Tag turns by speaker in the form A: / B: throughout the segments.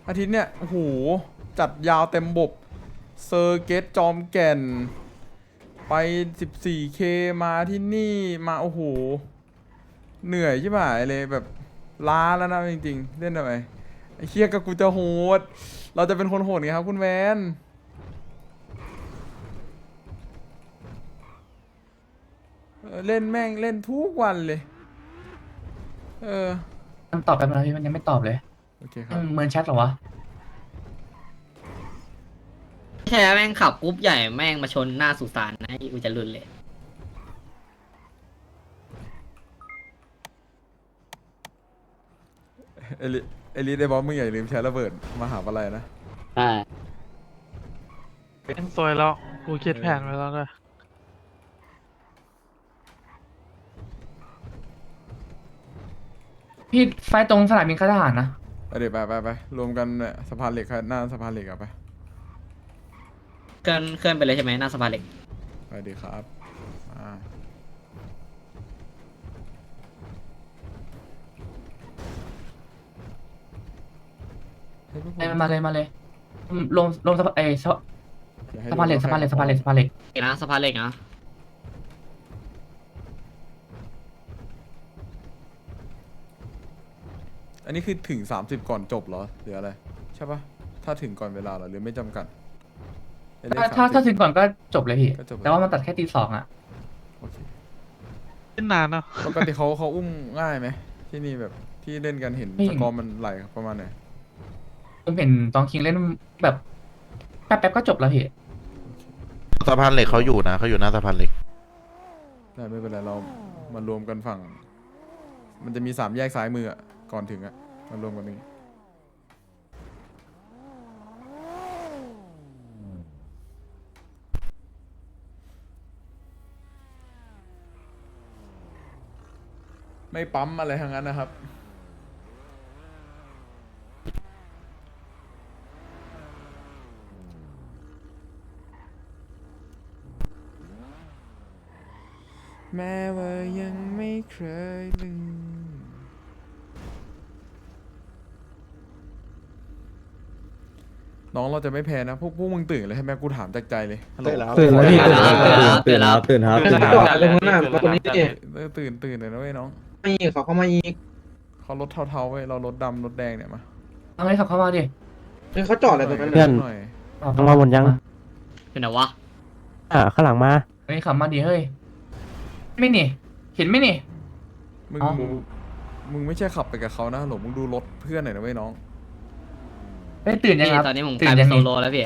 A: อาทิตย์เนี่ยโอ้โหจัดยาวเต็มบบเซอร์เกตจอมแก่นไป 14K มาที่นี่มาโอ้โหเหนื่อยใช่ไหมเลยแบบล้าแล้วนะจริงๆเล่นทำไมไอ้เคียกับกูจะโหดเราจะเป็นคนโหดไงครับคุณแวนเล่นแม่งเล่นทุกวันเลย
B: มันตอบไปมันพี่มันยังไม่ตอบเลย
A: โอเคครับ
B: เมินแชทเหรอวะ
C: แค่แม่งขับกรุ๊ปใหญ่แม่งมาชนหน้าสุสานนะกูจะรุนเลย
A: เอลิได้บอกมึงอย่าลืมใช้ระเบิดมหาวิทยาลัยนะ
C: ใช่
D: เป็นซวยแล้วกูคิดแผนไว้แล้วด้วย
B: พี่ไฟตรงสนามบินค่ายทหารนะ
A: เดี๋ยวไปรวมกันเนี่ยสะพานเหล็กหน้าสะพานเหล็กอะไป
C: เคลื่อนไปเลยใช่ไหมหน้าสะพานเหล็ก
A: ไปดีครับเฮ้ยพวกผม
B: มาเลยลงสะพาน
A: อย่าให้
B: สะพานเหล็ก
A: โด
B: สะพานเหล็ก
A: ใคร
B: สะพานเหล็กสะพานเหล็ก
C: นะสะพานเหล็กนะ
A: อันนี้คือถึง30ก่อนจบเหรอหรืออะไรใช่ปะถ้าถึงก่อนเวลาเหรอหรือไม่จำกัดไอ้เลข
B: ถ้า
A: 30
B: ถึงก่อนก็จบเลยพี่
A: ก็จบเลย
B: แต่ว่ามันตัดแค่ตี 2อ่ะ
A: โอเค
D: เล่นนานเนาะ
A: ปกติเขาอุ้มง่ายไหมที่นี่แบบที่เล่นกันเห็นสกอร์มันไหลประมาณไหน
B: ผมเห็นตองคิงเล่นแบบแป๊บๆก็จบแล้วพี่
E: สะพานเหล็กเขาอยู่นะเขาอยู่หน้าสะพานเหล็ก
A: ได้ไม่เป็นไรเรามารวมกันฝั่งมันจะมี3แยกซ้ายมืออะก่อนถึงอะมารวมกันนี้ไม่ปั๊มอะไรทั้งนั้นนะครับแม้ว่ายังไม่เคยลืมน้องเราจะไม่แพ้นะพวกมึงตื่นเลยใช่ไหมกูถามจากใจเลยฮัลโหล
F: ตื่นแล้วพี่
C: ตื่นแล้ว
F: ตื่นครับ
D: เรื่องนั้นคนนี้
A: ตื่นเลยนะเว้ยน้อง
F: ไม่เขาเข้ามาอีก
A: เขารถเทาๆเว้ยเรารถดำรถแดงเนี่ยมา
B: เอาเลยขับเข้ามาดิ
F: เขาจอดอะไรตรงนั้น
A: เพื่อนหน่อย
B: มาหมดยัง
C: เป็นไงวะ
G: ข้างหลังมา
B: เฮ้ยขับมาดิเฮ้ยไม่นี่เห็นไหมนี่
A: มึง
B: อ๋อ
A: มึงไม่ใช่ขับไปกับเขานะหรอมึงดูรถเพื่อนหน่อยนะเว้ยน้อง
B: เฮ้ยตื่นยัง
C: พี่
B: ครับ
C: ตอนนี้ผมก
B: ตื่
C: ลาย
B: น
C: เป็
B: ยั
C: น
B: ง
C: โซ
B: นี่
C: โลแล้วพี่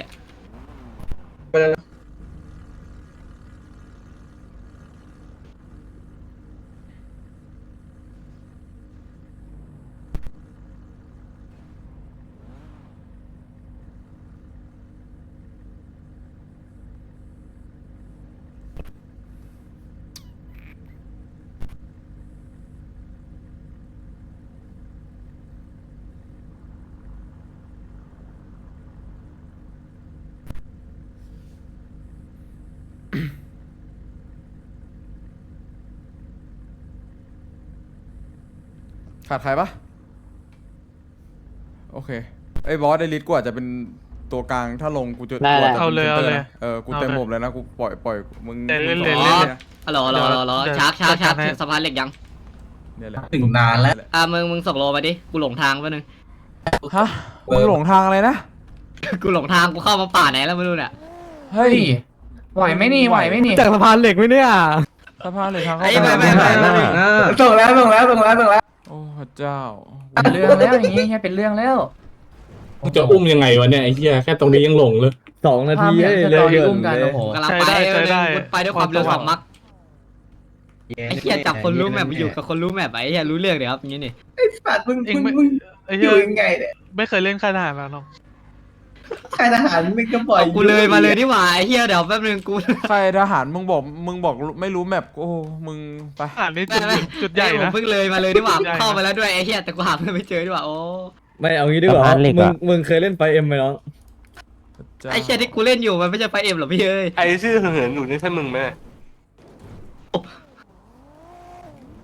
A: ขาดใครปะโอเคไอ้บอสไอ้ลิทกูอาจจะเป็นตัวกลางถ้าลงกูจะกูอาจจะ
D: เอา
A: ป็น
D: เลย
A: ซ็น
D: เอา
A: ตร์
D: เลย
A: นะกูเต็มหมดเลยนะกูปล่อยมึง
D: เล่น
A: มึง
D: เล่น
A: สอง
D: เล่น
A: นะ
C: ฮัลโหลชาร์จถึงสะพานเหล็กยัง
A: เนี่ยแหละ
F: ถึงนานแล้ว
C: มึงส่งโลมาดิกูหลงทางไปนึง
A: ฮะมึงหลงทางอะไรนะ
C: กูหลงทางกูเข้ามาป่าไหนแล้วไม่รู้เนี่ย
A: เฮ้ย
B: ไหวไหมนี่ไหวไหมนี่
G: จากสะพานเหล็กไหมเนี่ย
A: สะพานเหล็กทางเข้า
C: ไอ้
A: ไป
C: ไม่
B: ส่งแล้ว
A: โอ้พระเจ้า
B: เป็นเรื่องแล้วอย่างงี้แค่เป็นเรื่องแล้ว
H: มึงจะอุ้มยังไงวะเนี่ยไอ้เหี้ยแค่ตรงนี้ยังหลงเลย
G: 2 นาที
B: ภาพเนี่ย
G: เร็
B: สต
G: ว
B: อรี่
G: เกิ
B: อุ้ม
G: น
B: กัน
G: เลย
B: โอ้โห
C: กำลังไปไปด้วยความเร็ว2 มักไอ้เหี้ยจับคนรู้แมปไปอยู่กับคนรู้แมปไอ้เหี้ยรู้เรื่องเดี๋ยวครับอย่างนี้นี่
F: สัตว์มึง
D: เองไม่ไอ้
F: อ
D: เหี้ย
F: ยู่ยังไงเนี่ย
D: ไม่เคยเล่นค่ายทหารแล้วน้อง
F: ค่ายทหารมึงก็ปล่อย
C: กูเลยมาเลยนี่หว่าไอ้เหี้ยเดี๋ยวแป๊บนึงกู
A: ใครทหารมึงบอกไม่รู้แมปโอ้มึงไป
D: อ่านนี่จุดใหญ่
C: ผม
D: นะ
C: เพิ่งเลยมาเลยนี่หว่า
D: ใหญ่นะ
C: เข้าไปแล้วด้วยไอ้เหี้ยแต่กูหาเพื่อนไม่เจอนี่หว่าโอ้
G: ไม่เอางี้ดีกว่าสะพานเหล็กอะมึงเคยเล่นไฟเอ็มไหมน้อง
A: พระจ้า
C: ไอ้เหี้ยที่กูเล่นอยู่มันไม่ใช่ไฟเอ็มหรอพี่เอ้ย
H: ไอ้ชื่อเหินอยู่นี่ใช่มึงไหม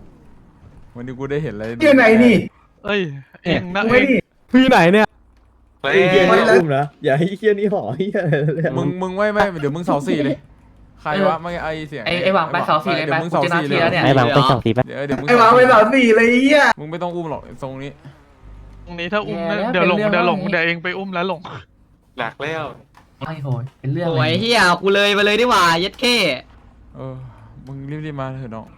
A: วันนี้กูได้เห็นอะไร
F: อยู่ไหนนี่
D: เอ้ยเองนะ
F: ไม่
D: เอง
F: ดิ
G: พี่ไหนเนี่ยไอ้เฮียนี่อุ้มนะอย่าให้เฮียนี่ห่อเฮียเลย
A: มึงไม่เดี๋ยวมึงเสาสี่เลยใครวะไม่ไอเสียง
B: ไอ้หวังไปเสาสี่เลย
A: เดี๋
B: ไป
A: ยวมึง
B: กู
A: เสา
B: จะนัด
A: สี่
B: ที
A: เลย
B: แล้วเนี่ย
C: ไอ้หวังไปสองที
A: เดี๋ยวมึง
F: ไอ้หวางไป3-4เลยไอ้เหี้ย
A: มึงไม่ต้องอุ้มหรอกทรงนี้
D: ตรงนี้ถ้าอุ้มเดี๋ยวหลงเดี๋ยวเองไปอุ้มแล้วหลง
I: หนักแล้ว
B: ไม่โหยเป็นเรื่อง
C: โอ้ยเฮียกูเลยมาเลยดีกว่าเย็ดเข้
A: มึงรีบมาเถอะน้อง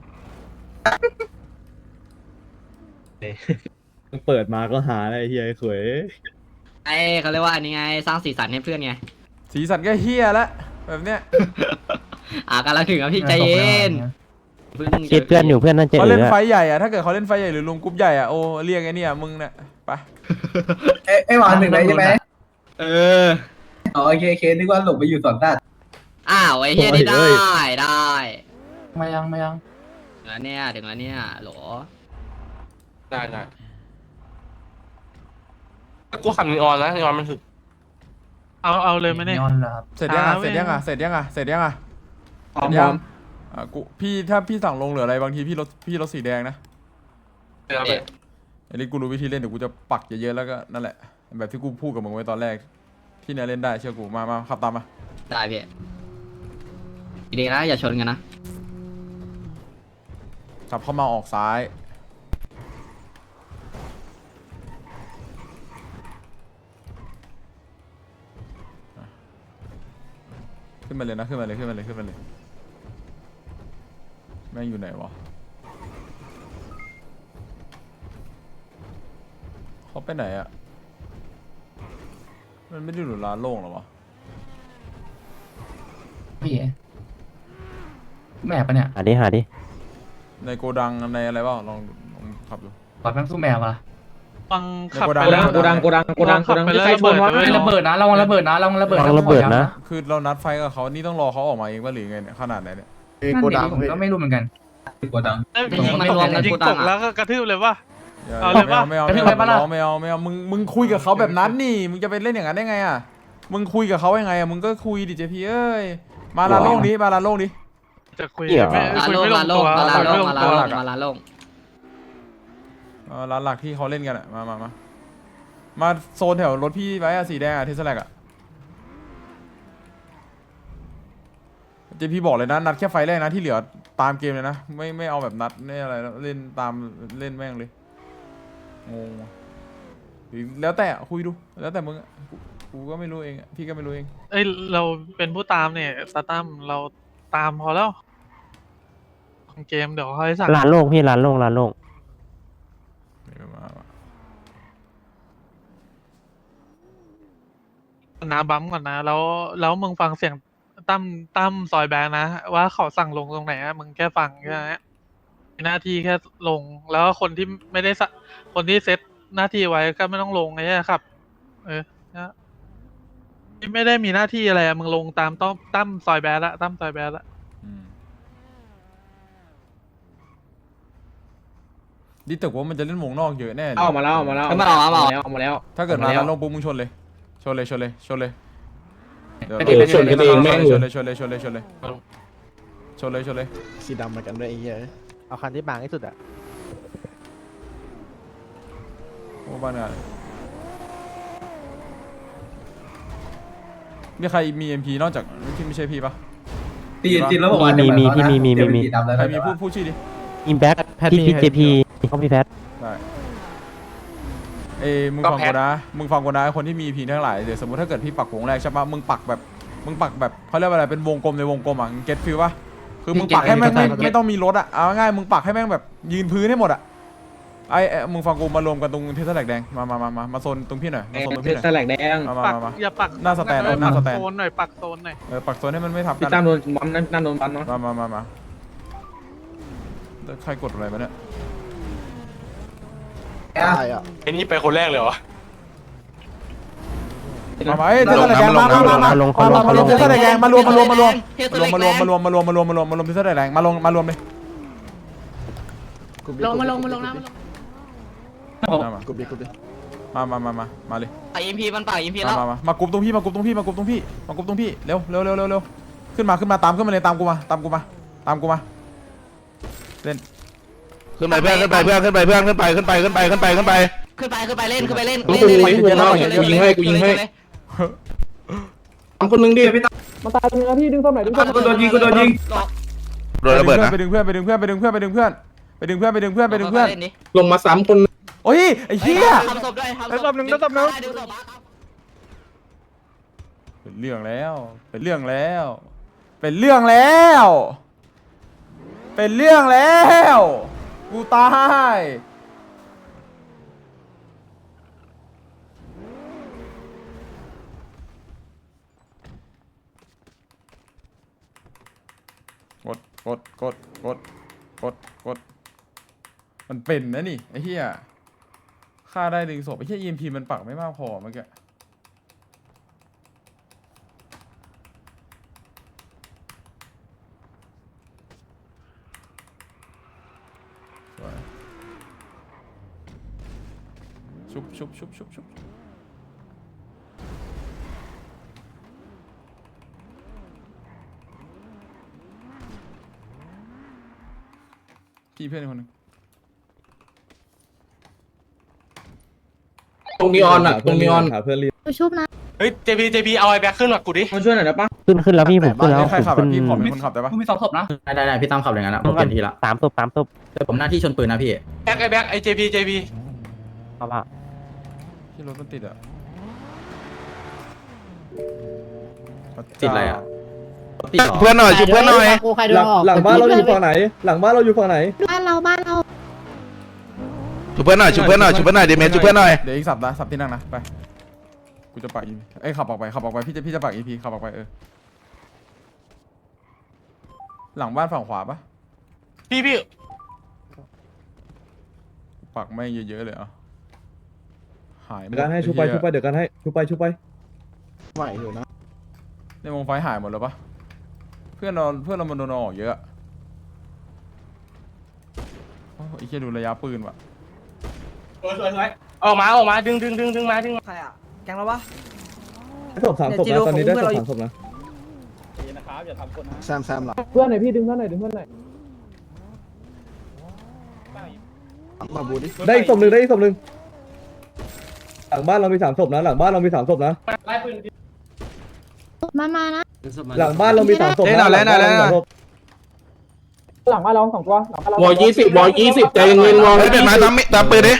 G: เปิดมาก็หาอะไรเฮียไอ้ขวย
C: ไอ้เขาเรียกว่าอันนี้ไงสร้างสีสันให้เพื่อนไง
A: สีสันก็เฮียแล้วแบบเนี้ย
C: กำลังถึงอ่ะพี่ใจเย็น
G: คิดเพื่อนอยู่เพื่อนนั่นเจอ
A: เขาเล่นไฟใหญ่อะถ้าเกิดเขาเล่นไฟใหญ่หรือรวมกรุ๊ปใหญ่อะโอ้เรียกไอ้เนี่ยมึงเนี่ยไป
F: ไอ้หวานหนึ่งเลยใช่ไหม
C: เออ
F: อ๋อโอเคนึกว่าหลบไปอยู่สอนตัด
C: อ้าวไอ้เฮียได้ได้
B: ไม่ยัง
C: ถึงแล้วเนี่ยโหล
I: ได้กูขับนีออนแล้วนีออนมันถึก
D: เอาเลยไหมเนี่ย
B: นอนเหรอครับ
A: เสร็จยังอะเสร็จยังอะ
F: พร้อม
A: กูถ้าพี่สั่งลงเหลืออะไรบางทีพี่รถสีแดงนะ
I: เดี๋ยวไป
A: อันนี้กูรู้วิธีเล่นเดี๋ยวกูจะปักเยอะๆแล้วก็นั่นแหละแบบที่กูพูดกับมึงไว้ตอนแรกที่เนี่ยเล่นได้เชื่อกูมาขับตามมา
C: ได้พี่ดีนะอย่าชนกันนะ
A: ขับเข้ามาออกซ้ายขึ้นมาเลยนะขึ้นมาเลยแม่งอยู่ไหนวะเขาไปไหนอะมันไม่ได้อยู่ร้านโล่งหรอวะ
B: พี่แม่ปะเนี่ย
G: หาดิ
A: ในโกดังในอะไรบ้างลองขับดู
B: ปล่อยแม่งสู้แม่ปะล่ะ
D: ฟังขับ
A: โก
D: ไป
A: ดัง
D: แล้ว
F: โกดัง
D: ขับไปแล้วระเบิด
B: ระเบิดนะระวังระเบิดนะระวังระเบิด
G: ระเบิดนะ
A: คือเรานัดไฟกับเขานี่ต้องรอเขาออกมาเองว่าหรือไงเนี่ยขนาดไหนเนี่ย
B: โกดังผมก็ไม่รู้เหมือนกัน
F: โกดัง
D: ยิงตกแล้วก็กระทืบเลยว่ะ
A: อย่า
D: เอาเลยปะ
A: ไม่เอามึงคุยกับเขาแบบนั้นนี่มึงจะไปเล่นอย่างนั้นได้ไงอ่ะมึงคุยกับเขายังไงอ่ะมึงก็คุยดิเจพีเอ้ยมาลานโล่งดิ
D: จะคุย
G: เหี้ย
D: ไม่
C: ลา
D: คุย
C: โล่ง
D: ไม่ล
C: ลาง โล่
D: ตั
C: ง
D: ว
C: มาลาโล่ง
D: ไม่
C: มา
D: ล
C: ลาง โล่
D: ตัว
C: งมาลาโล่ง
A: ร้านหลักที่เขาเล่นกันอ่ะมาโซนแถวรถพี่ไว้อะสีแดงอะเทสแลกอะเจพีบอกเลยนะนัดแค่ไฟแรกนะที่เหลือตามเกมเลยนะไม่เอาแบบนัดไม่อะไรแล้วเล่นตามเล่นแม่งเลยงงว่ะหรือแล้วแต่คุยดูแล้วแต่มึงอะกูก็ไม่รู้เองอะพี่ก็ไม่รู้เอง
D: เอ้ยเราเป็นผู้ตามเนี่ยสตัมเราตามพอแล้วของเกมเดี๋ยวเขาให้สั่ง
G: ร้านโล่งพี่ร้านโล่ง
D: น้าบัมก่อนนะแล้วมึงฟังเสียงตั้มซอยแบงค์นะว่าเขาสั่งลงตรงไหนอะมึงแค่ฟังแค่นั้นมีหน้าที่แค่ลงแล้วคนที่ไม่ได้คนที่เซตหน้าที่ไว้ก็ไม่ต้องลงไงครับ นะที่ไม่ได้มีหน้าที่อะไรอะมึงลงตามตั้มซอยแบงค์ละตั้มซอยแบงค์ละ
A: ดิตึกว่ามันจะเล่นวงนอกเยอะแน่เลย
F: เอามาแล้ว
A: ถ้าเกิดมาแล้วลงปุ๊บมึงชนเลยเดี๋ยว
H: ชนกันเองแม่งเลย
A: ชนเลย
G: สีดำมากันด้วยไอ้เหี้ยเอาคันที่บางที่สุดอ่ะ
A: โอ้บ้านงานมีใครมี MP นอกจากที่ไม่ใช่พี่ปะ
F: ตีแล้วบอกว่า
G: มี
A: ใครมีพูดชื่อดิ
G: อิมแบ็คพี่เจพีเขาพี่แพท
A: ได้มึงฟังกูนะคนที่มี EP ทั้งหลายเดี๋ยวสมมติถ้าเกิดพี่ปักวงแรกใช่ปะมึงปักแบบเขาเรียกว่าอะไรเป็นวงกลมในวงกลมอ่ะเก็ตฟิลปะคือมึงปักให้แม่งไม่ต้องมีรถอ่ะเอาง่ายมึงปักให้แม่งแบบยืนพื้นให้หมดอ่ะมึงฟังกูมารวมกันตรงเทสแลกแดงมาโซนตรงพี่หน่อยมาโซนตรงพี่หน่อย
F: แสลกแดง
A: มา
D: อย่าปัก
A: หน้าสแตน
D: ปักโซนหน่อยปักโซนหน่อย
A: ปักโซนให้มันไม่ทับ
F: พี่
A: กัน
F: ตั้มโดนบัมนั่นโดนบัมเนาะ
A: มาใครกดอะไรมาเนี่ย
I: ไอ้นี่ไปคนแรกเลยเหรอ
A: มาเทสแลกแดงมาลงเทสแลกแดงมารวมเทสแลกแดงมารวมเทสแลกแดงมารวมเลย
C: ลงนะ
A: มาเลย
C: ป่าอิมพีมันป่าอิมพีแล้ว
A: มากรุ๊ปตรงพี่เร็วขึ้นมาตามขึ้นมาเลยตามกูมาเล่น
E: ขึ้นไปเพื่อนขึ้นไป
C: ขึ้นไปเล่น
H: กูยิงให้ทำคนนึงดิ
F: มันตายตรงนี้พี่ดึงส้มหน่อยดึงส้มกูโดนยิง
E: โดนระเบิดนะ
A: ไปดึงเพื่อนไปดึงเพื่อนไปดึงเพื่อนไปดึงเพื่อนไปดึงเพื่อนไปดึงเพื่อนไปดึงเพื่อน
H: ลงมา3 คน
A: โอ้ยไอ้เหี้ย
C: ทำศพด้วย
F: ศพหนึ่งดึงศพหนึ่ง
A: เป็นเรื่องแล้วเป็นเรื่องแล้วเป็นเรื่องแล้วเป็นเรื่องแล้วกูตายกดมันเป็นนะนี่ไอ้เหี้ยฆ่าได้ดึงศพไอ้เหี้ย EMP มันปักไม่มากพอเมื่อกี้สวยชุบพี่เพื่อนคนหนึง
H: ตรงนีออนอ่ะตรงนีออน
F: หาเพื่อนรีบ
J: ชุบนะ
I: เฮ้ย JP เอาไอ้แบ็คขึ้นมากูดิ
F: มาช่วยหน่อยนะป้า
G: ขึ้นแล้วพี่ผมขึ้นแล้ว
A: ใคร
G: ผม
A: ขับ
G: ขึ้
A: อะ
G: น
A: พี่ขอเป็นคนขับได้ปะ
B: กูมี2ศพนะ
C: ได้พี่ตั้มขับอย่างนั้นนะผมเปลี่ยนทีละ
G: 3 ศพ
C: เดี๋ยวผมหน้าที่ชนปืนนะพี่
I: แบ็คไอ้ JP
G: เอาละ
A: ที่รถมันติดอะ
C: ติดอะไรอะ
E: เพื่อนหน่อยช่วยเพื่อนหน่อย
F: หลังบ้านเราอยู่ฝั่งไหน หลังบ้านเราอยู่ฝั่งไหน
J: บ้านเรา
E: ช่วยเพื่อนหน่อยช่วยเพื่อนหน่อยช่วยเพื่อนหน่อยเดเมจช่วยเพื่อนหน่อย
A: เดี๋ยวอีกสับนะสับที่นั่งนะไปกูจะปัก EP เอ้ยขับออกไปพี่จะปัก EP ขับออกไปหลังบ้านฝั่งขวาปะ
I: พี่
A: ปักไม่เยอะๆเลยอ่ะหายหมด
F: เดี๋ยวกันให้ชุบไปเดี๋ยวกันให้ชุบไปไหวอยู่นะ
A: ในวงไฟหายหมดแล้วปะเพื่อนเรามันโดนออกเยอะโอ้ยไอ้เหี้ยดูระยะปืนว่ะ
I: ออกมาดึงมาดึง
C: ใครอ่ะแกงแล้ววะ
F: ศพ3 ศพนะตอนนี้ได้ศพ3 ศพนะ
G: แซมหลัง
F: เพื่อนหน่อยพี่ดึงเพื่อนหน่อย
G: มาบูดิ
F: ได้อีกศพหนึ่งหลังบ้านเรามี3 ศพนะหลังบ้านเรามี3 ศพนะ
J: มานะ
F: หลังบ้านเรามี3 ศพนะหลังบ้านเรา2 ตัว
H: วอ20ใจเย็นวอ
E: เฮ้ยเป็นไม้ตามปืนดิ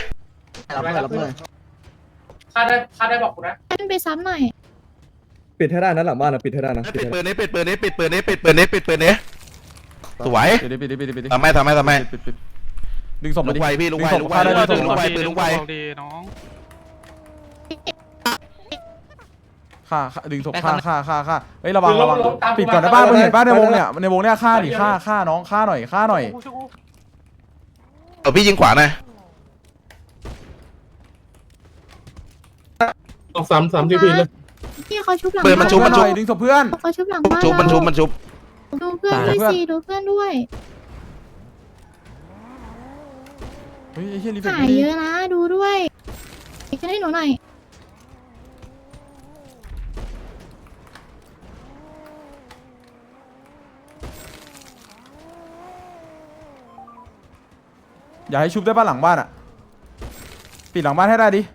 I: ค่าได้บอกกูนะ
J: ขึ้นไปซ้ำหน่อย
F: ปิดให้ได้นะหลังบ้านนะปิดให้ได้นะ
E: ปิดปืนนี้ปิดปืนนี้สวย
A: ปิด
E: ทำไม
A: ปิดดึงศพ
E: ลุ
A: มาก ดิ
E: ไวพี่ลุกไว
A: ดึงศพฆ่าได้ดึงศพ
E: ลุกไวปืนลุกไว
D: ดีน้อง
A: ฆ่าดึงศพฆ่าเฮ้ยระวังปิดก่อนนะบ้านมึงเห็นป้าในวงเนี่ยฆ่าดิฆ่าน้องฆ่าหน่อย
E: พี่ยิงขวาหน่อย
H: ต้อง3 JP เลย
J: พี่เขาชุบหลัง
E: ปืนมันชุบ
A: หน่อยดึงศพเพื่อน
J: เขาชุบหลังบ้าน
E: มันชุบ
J: ดูเพื่อนด้วยสิดูเพื่อนด้วย
A: เฮ้ยไอ้เหี้ยรีเฟก
J: หายเยอะนะดูด้วยช่วยให้หนูหน่อย
A: อย่าให้ชุบได้บ้านหลังบ้านอ่ะปิดหลังบ้านให้ได้ดิ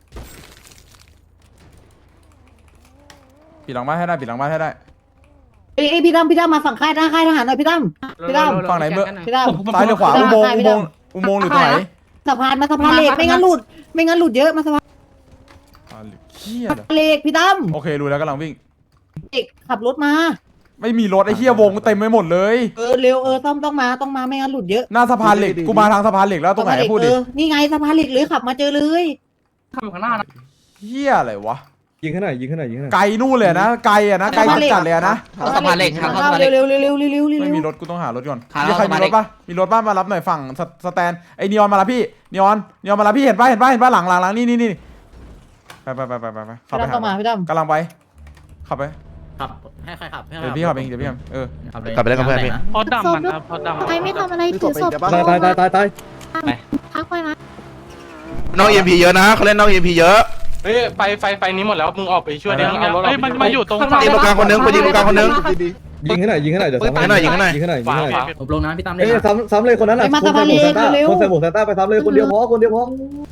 A: ปิดหลังบ้านให้ได้
K: เอ้ยพี่ตั้มมาฝั่งค่ายทหารหน่อยพี่ตั้ม
A: ฝั่งไหนเมื่อ
K: พี่ตั้ม
A: ซ้ายหรือขวาอุโมงค์หรือตรงไหน
K: สะพานเหล็กไม่งั้นหลุดเยอะมาสะพาน
A: เหี้ย
K: เหล็กพี่ตั้ม
A: โอเครู้แล้วกำลังวิ่ง
K: เด็กขับรถมา
A: ไม่มีรถไอ้เหี้ยวงเต็มไปหมดเลย
K: เร็วต้องมาไม่งั้นหลุดเยอะ
A: หน้าสะพานเหล็กกูมาทางสะพานเหล็กแล้วตรงไหนพูดดิ
K: นี่ไงสะพานเหล็กเลยขับมาเจอเลย
B: ขับอยู่ข้างหน้านะ
A: เหี้ยอะไรวะ
F: ยิงให้หน่อย
A: ไกลนู่นเลยนะไกลอะนะไกลจัดเลยนะ
C: สะพานเหล็กทางเข้าสะพานเหล็ก
K: เร็ว
A: ไม่มีรถกูต้องหารถก่อน
C: หารถ
A: มีใครมีรถปะมีรถบ้านมารับหน่อยฝั่งสแตนไอ้นีออนมารับพี่นีออนมารับพี่เห็นปะหลังนี่ไปขับไป
K: ต้องมาพี่ตั้ม
A: กำลังไปขับไป
C: ขับให้ใครขับ
A: เดี๋ยวพี่ขับเองเออ
E: กลับไปเล่นกับเพื่อนพี่
D: พอดำมันนะพอดำ
J: ใครไม่ทำอะไรถือศพ
F: ตาย
J: พักไว้นะ
E: น้อง EMP เยอะนะเขาเล่นน้อง EMP เยอะ
I: เฮ้ยไฟนี้หมดแล้วมึงออกไปช่วยดิมึงเอารถ
D: เฮ้ยมันมาอยู่ตรง
E: ยิงตรงกลางคนนึงยิงตรงกลางคนนึง
F: ยิงให้หน่อยเดี๋ยวซ้ำให้หน่อย
I: ขวา
C: ผมลงนะพี่ตั้มเล
F: เอ้
C: ย
F: ยซ้ำเลยคนนั้นแหละคนใส่หมวกซานต้าไปซ้ำเลยคนเดียวพอ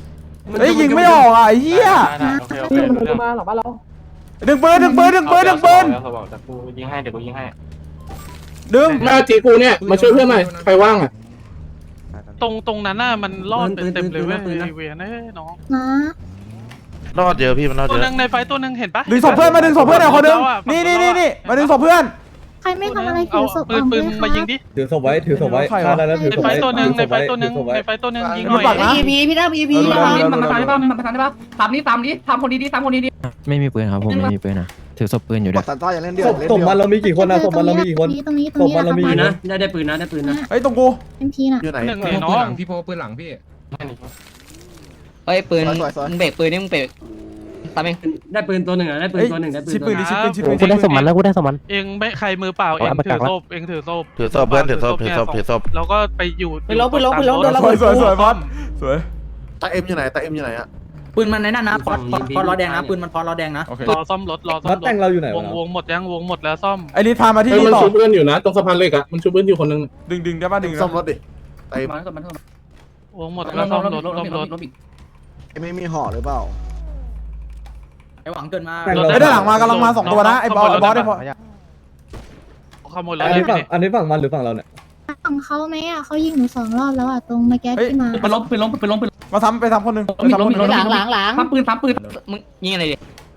A: เฮ้ยยิงไม่ออกอ่ะไอ้เหี้ย
I: โอเคโอเครู้เรื่อง
G: มาหลังบ้านเรา
A: ดึงปืน
I: เอาเดี๋ยวกูยิงให้เดี๋ยวกูยิงให้
A: ดึง
H: หน้าจีกูเนี่ยมาช่วยเพื่อนหน่อยใครว่างอ่ะ
D: ตรงนั้นน่ะมันรอดเป็นเต็มเลยเว้ยไอเวียนเอ้ยน้อง
J: นะ
E: รอดเยอะพี่มันรอด
D: ตัว
E: เย
D: หนึ
E: อะ
D: งในไฟตัวหนึงเห็นปะ
A: ดึงศพเพื่อนมาดึงศพเพื่อนหน่อยคนนึงนี่มาดึงศพเพื่อน
J: ใครไม่ทำอะไรถื
D: เอา
J: อศพ
D: ปืน
J: ออก
D: ปื
J: ด้
D: น
J: วย
D: มายิง
J: ค่ะ
D: ดิ
F: ถือศพไว้ถือศพไว้
A: ใครวะ
F: ฆ่าได้แล้วถือ
D: ใน
F: ศพ
D: ไฟ
F: ไว้
D: ตัวหนึง
F: ถื
D: ใน
F: อศพ
D: ไฟ
F: ไว้
D: ตัวหนึง
F: ถือศพไว้
D: ในไฟตัวหนึงยิงห
A: ดู
D: น่อย
A: ปากนะ
K: EVP พี่ตั้ม EVP
A: เออ
K: ระวัง
A: เร็ว
B: มันมาตามได้ป่ะมันมาตามได้ป่ะทำนี้ตามนี้ทำคนดีๆทำคนดี
G: ไม่มีปืนครับผมไม่มีปืนนะถือศพปืนอยู่ด้วย
F: ศพมันเรามีกี่คนนะศพมันเรามีกี่คน
J: ตรงนี้
F: ศพมันเรามีกี่คน
I: ได้ปืนนะได้ปืนนะ
A: เฮ้ยตรงกู
J: เอ็มพีน่ะ
E: อยู่ไหน
D: หนึ่งเนี่ยน้อง
B: พี่โพปืนหลังพี่
C: เฮ้ยปืนมึงเบรกปืนนี่มึงเบรกตามเอง
I: ได้ปืนตัวหนึ่งได้ปืน
A: เฮ้ย
I: ตัวหนึ่งได้ปืน
A: ชิปปืนดิชิปปืนชิปปืน
G: กูได้สมันแล้วกูได้สมัน
D: เองไม่ใครมือเปล่าเองถือศพเองถือศพ
E: ถือศพเพื่อนถือศพถือศพถือศพ
D: แล้วก็ไปอยู่
K: ไปลบโดนระ
A: ส
K: เบิ
A: วย
K: ด
A: สวยบอสสวย
E: ตาเอ็มอยู่ไหนตาเอ็มอยู่ไหนอะ
C: ปืนมันในนั่นนะพอล้อแดงนะปืนมันพอล้อแดงนะ
A: โอเค
D: รอซ่อมรถรอซ่อ
F: มั
D: ม
F: ด
D: ร
F: แต่
D: ถ
F: งเราอยู่ไหน
D: ว
F: วะ
D: งหมดยังวงหมดแล้วซ่อม
A: ไอ้นี่พามาที่
H: เฮ้ย
A: นี่
H: มัน
A: ต่อ
H: ช่วยเพื่อนอยู่นะตรงสะพานเหล็กอ่ะมันช่วยเพื่อนอยู่คนนึง
A: ดึงได้ป่ะดึง
E: ซ่อมรถดิตาเอ็ม
D: วงหมดแล้วซ่อมรถซ่อมรถ
E: ไม่มีห่อหรือเปล่า
C: ไอหวังเกินมา
F: แต่ง
A: ไอ้ด้านหลังมากำลังมา2ตัวนะไอ้บอสได้พอ
D: ขโมยรถ
F: อัน
D: เล
F: นี้
D: ย
F: ฝั่งอันนี้ฝั่งมันหรือฝั่งเราเนี่ย
J: ฝั่งเขาไหมอ่ะเขายิงหนู2 รอบแล้วอ่ะตรงเมื่อกี้ที่มา
B: ปืนล้มปืนล้มปืนล้มปืน
A: มาซ้ำไปซ้ำคนนึง
B: ล้ม
K: หลัง
B: ทำปืน
C: มึงยิงอะไรดิ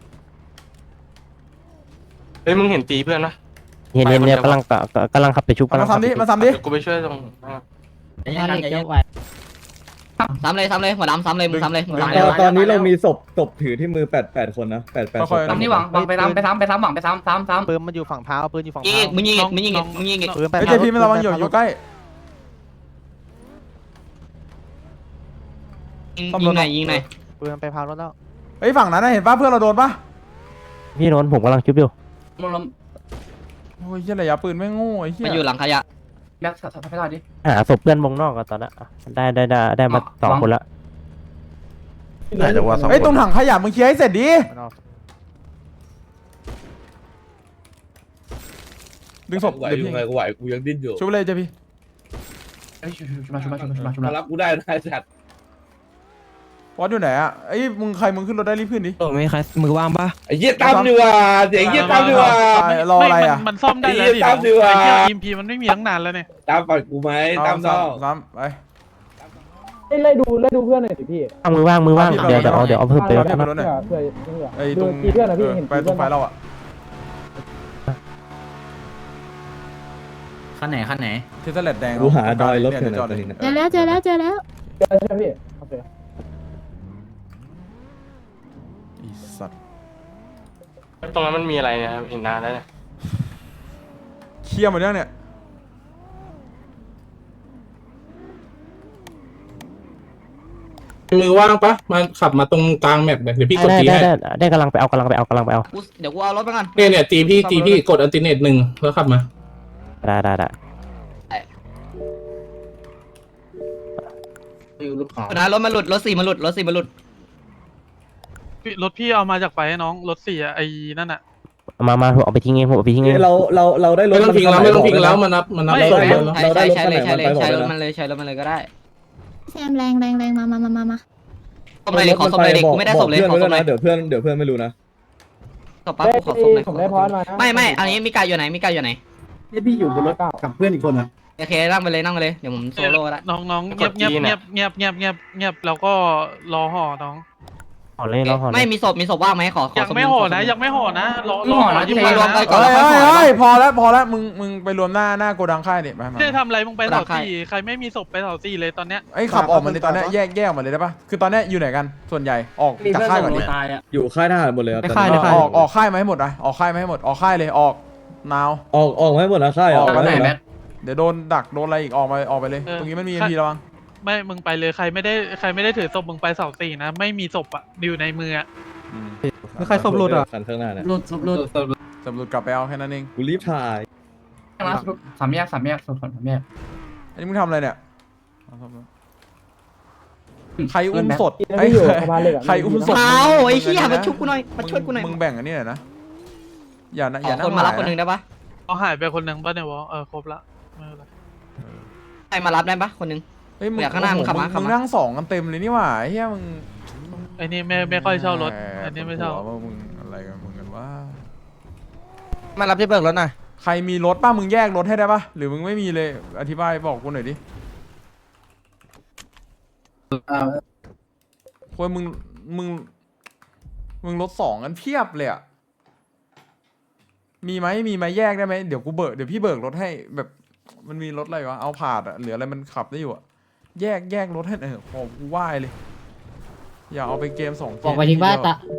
I: เฮ้ยมึงเห็นตีเพื่อนปะ
G: เห็นเนี่ยกำลังขับไปชุบกำลั
A: มาง
G: ขับ
A: ซ้ำดิมาซ้ำดิ
I: เดี๋ยวกูไปช่วยตรง
C: ซ้ำเลยหัวดำซ้ำเลยมึงซ้ำเลยมึงซ้ำเลย
F: ตอนนี้เรามีศพถือที่มือ8คนนะ8ศพ
B: ทำนี่หวังไปซ้ำหวังไปซ้ำ
G: ปืนมันอยู่ฝั่งเท้าปืนอยู่ฝั่ง
C: ยิง
G: เท้า
C: มึงยิงอีก
G: ปืนไป
A: ไอ้เจพีมันระวังอยู่ใกล้
C: ยิงหน่อย
G: ปืนไปพารถแล้ว
A: ไอ้ฝั่งนั้นเห็นป่ะเพื่อนเราโดนป่ะ
G: พี่โนนผมกำลังชุบอยู่
B: ล้ม
A: โอ้ยเหี้ยระยะปืนไม่โง่ไอ้เหี้
C: มันอยู่
A: ย
C: หลังขยะ
B: แบ็คสับให้ได้ดิ
G: หาศพเพื่อนวงนอกกันตอนนั้นได้มา2 คนละ
E: ไหนจะว่าซ่อม
A: ไอ้ตรงถังขยะมึงเคลียร์ให้เสร็จดิดึงศพเดี๋ยวพี่
H: กูไหวกูยังดิ้นอยู่
A: ช่วยเลยเจพี
B: ชุบมา
H: รับกูได้จัด
A: วอสอยู่ไหนอะไอ้มึงใครมึงขึ้นรถได้รีบขึ้นดิ
G: ไม่ใครมือว่างปะ
H: ไอ้เหี้ยตั้มดีว่าเสียงเหี้ยตั้มดีว่า
A: รออะไรอะ
D: มันซ่อมได้แล้วดิ
H: ตามดีกว่า
D: ไอ้เหี้ยอิมพีมันไม่มีตั้งนานแล้วเนี่ย
H: ตั้มปล่อยกูไหมตั้มน้อง
A: ซ้ำไป
G: ไล่ดูเพื่อนหน่อยสิพี่มือว่างเดี๋ยวเอาเพิ่มไป
A: รถเนี่ยไปรถเนี่ย
G: เพื่อ
A: ไอ้ตรงไปตรงไฟเราอะ
C: ขั้นไหน
A: เทสเลตแดง
F: กูหาดอยรถ
A: เนี่
F: เถื่อน
A: จอดเลย
J: เจอแล้วเจอแล้ว
G: ใช่พี่โอเค
A: อีสัตว์
I: ตรงนั้นมันมีอะไรเนี่ยเห็นนานแล้วเนี่ย
A: เคลียร์หมดยังเนี่ย
H: มือว่างปะมาขับมาตรงกลางแมปเดี๋ยวพี่กดตีให้
G: ได้กำลังไปเอา
C: เดี๋ยวกูเอารถไปก่อน
H: เนี่ยตีพี่กดอัลติเนต1แล้วขับมา
G: ได้
C: นะรถมันหลุดรถ4มันหลุด
D: รถพี่เอามาจากไฟให้น้องรถ4อะไอ้นั่นอะ
G: มาผมเอาไปทิ้งเองผมเอาไปทิ้งเอง
F: เราได้รถ
H: ไม่ต้องพิงแล้วไม่ต้องพิงแล้วมันนับ
C: ใช้รถมันเลยก็ได้
J: แซมแรงมา
C: ศพเลยขอศพเลยดิกูไม่ได้ศพเลยขอศพเลย
F: เดี๋ยวเพื่อนไม่รู้นะ
C: ศพปั๊บกูขอศพเลย
G: ผมได้พอมา
C: ไม่อันนี้มีกายอยู่ไหน
G: นี่พี่อยู่บนรถกับเพื่อนอีกคนนะ
C: โอเคนั่งไปเลยเดี๋ยวผมโซโล่ละ
D: น้องเงียบแล้วก็รอห่อน้อง
G: ห่อเลยเราห่อ
C: ไม่มีศพว่างไหมขอ
D: ยังไม่ห่อนะรอห่อ
C: ที่ไปรวมไปก่อน
A: เฮ้ยพอแล้วมึงไปรวมหน้าโกดังค่ายดิมา
D: ไม่ได้ทำอะไรมึงไปเสา4ใครไม่มีศพไปเสา4เลยตอนเนี้ย
A: ไอ้ขับออกมาเลยตอนนี้แยกออกมาเลยได้ปะคือตอนนี้อยู่ไหนกันส่วนใหญ่ออกจากค่ายก่อนดิ
F: อยู่ค่ายทหารหมดเลยครับ
A: ออกค่ายมาให้หมดนะออกค่ายมาให้หมดออกค่ายเลยออกนาว
F: ออกให้หมดนะค่ายออกมาให้หมดนะ
A: เดี๋ยวโดนดักโดนอะไรอีกออกไปเลยตรงนี้มันมีMPระวัง
D: ไม่มึงไปเลยใครไม่ได้ถือศพมึงไปเสา4นะไม่มีศพอะอยู่ในมืออะ
F: ใครศพหลุดอ่ะคันข้างหน้าเนี่ย
B: หลุด
A: สำรวจกลับไปเอาแค่นั้นเอง
F: กูรีบถ่าย
B: สามแยกศพ3 แยก
A: อันนี้มึงทำอะไรเนี่ยใครอุ้มสด ใครอุ้มสด
C: เอาไอ้เหี้ยมาช่วยกูหน่อย
A: มึงแบ่งอันนี้หน่อยนะอย่านะ
C: คนมารับคนนึงได้ปะ
D: เอาหายไปคนนึงป่ะเนี่ยวะครบละไม่เป็นไร
C: ใครมารับได้ปะคนนึง
A: เฮ้ยมึง
C: อยากข้างหน้ามึงขับมา
A: มึงนั่ง2กันเต็มเลยนี่หว่าเฮียมึง
D: ไอ้นี่ไม่ค่อยเช่ารถอันนี้ไม่เช่า
A: ปวดหัวว่ามึงอะไรกันมึงกันว่า
G: มารับที่เบิกรถหน่อย
A: ใครมีรถป่ะมึงแยกรถให้ได้ป่ะหรือมึงไม่มีเลยอธิบายบอกกูหน่อยดิควรมึงรถ2กันเพียบเลยอะมีไหมแยกได้ไหมเดี๋ยวพี่เบิกรถให้แบบมันมีรถอะไรวะเอาผาดอะเหลืออะไรมันขับได้อยู่อะแยกรถให้ขอกูไหว้เลยอย่าเอาไปเกม2เกม
C: บอกไปทิ้งว่า
A: ทีเดียว
C: ตา